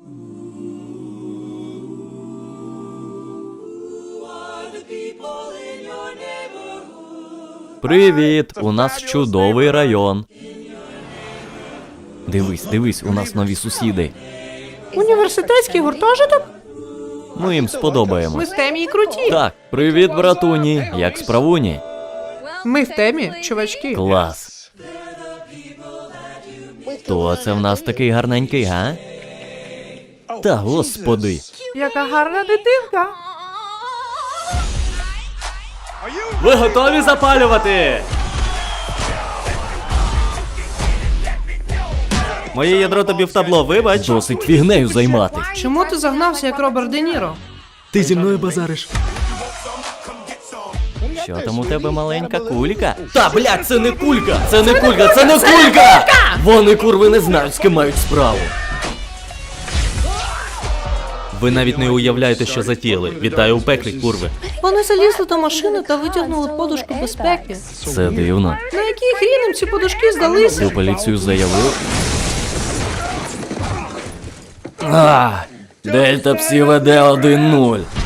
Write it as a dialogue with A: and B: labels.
A: Привіт! У нас чудовий район. Дивись, у нас нові сусіди.
B: Університетський гуртожиток?
A: Ми їм
B: Ми
A: сподобаємось.
B: в темі і круті.
A: Так, привіт, братуні. Як справуні?
B: Ми в темі, чувачки.
A: Клас. Хто це в нас такий гарненький, га? Та господи.
B: Яка гарна дитинка.
A: Ви готові запалювати? Моє ядро тобі в табло, вибач. Досить фігнею займатись.
B: Чому ти загнався, як Роберт Де Ніро?
A: Ти зі мною базариш. Що там у тебе маленька кулька? Та, блядь, це не кулька! Це не кулька! Це не кулька! Вони, курви, не знають, з ким мають справу. Ви навіть не уявляєте, що затіяли. Вітаю у пеклі, курви.
B: Вони залізли до машини та витягнули подушку безпеки.
A: Це дивно.
B: На який хрін їм ці подушки здалися?
A: У поліцію заявив. Дельта Псі веде 1-0.